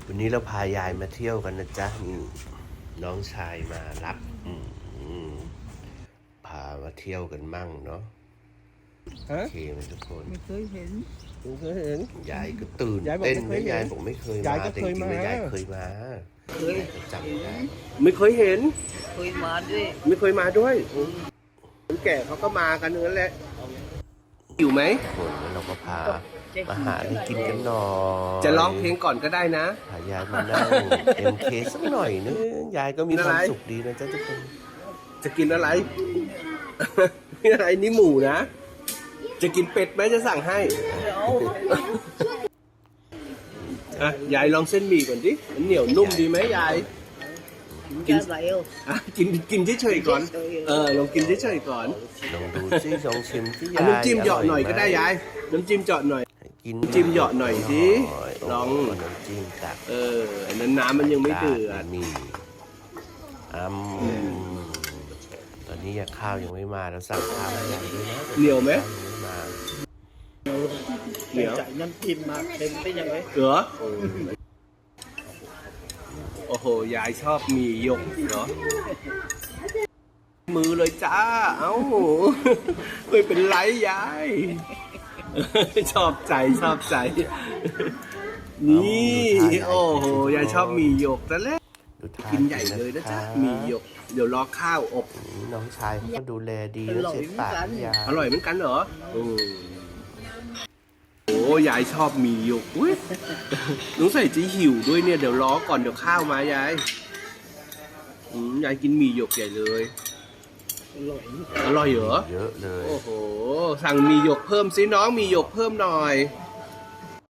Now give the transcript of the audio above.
วันนี้เราพายายมาเที่ยวกันนะจ๊ะนี่น้องชายมารับพามาเที่ยวกันมั่งเนาะโอเคไหมทุกคนไม่เคยเห็นยายก็ตื่นเต้นนะยายบอกไม่เคยมาแต่จริงๆยายเคยมาจำได้ไม่เคยเห็นเคยมาด้วยไม่เคยมาด้วยคนแก่เขาก็มากันนั่นแหละอยู่ไหมคนแล้วเราก็พามาหาอะไรกินกันหน่อยจะร้องเพลงก่อนก็ได้นะพายายมานั่งMKสักหน่อยนึงยายก็มีความสุขดีนะจ๊ะทุกคนจะกินอะไรนี่อะไรนี่หมูนะจะกินเป็ดไหมจะสั่งให้อ่ะยายลองเส้นหมี่ก่อนดิมันเหนียวนุ่มดีไหมยายกินกินเฉยๆก่อนลองกินเฉยๆก่อนลองดูซิลองชิมที่ยายน้ำจิ้มเหยาะหน่อยก็ได้ยายน้ำจิ้มเหยาะหน่อยกินจิ้มเหยาะหน่อยสิลองน้ำจิ้มตักอันนั้นน้ำมันยังไม่เดือดนี่ตอนนี้ข้าวยังไม่มาเราสั่งข้าวให้ยายด้วยนะเหนียวไหมเหนียวจ่ายน้ำจิ้มมาเค็มไปยังไงเหรอโอ้โหยายชอบมีหยกเหรอมือเลยจ้าเอ้าไม่เป็นไรยายชอบใจนี่โอ้โหยายชอบมีหยกแต่แรกกินใหญ่เลยนะจ๊ะมีหยกเดี๋ยวรอข้าวอบน้องชายเขาก็ดูแลดีแล้วเช็ดปากยาอร่อยเหมือนกันเหรอโอ้ยายชอบมีหยกอุ้ยน้องใส่จะหิวด้วยเนี่ยเดี๋ยวรอก่อนเดี๋ยวข้าวมายายยายกินหมี่หยกใหญ่เลยอร่อยเหรอเยอะเลยโอ้โหสั่งหมี่หยกเพิ่มสิน้องหมี่หยกเพิ่มหน่อย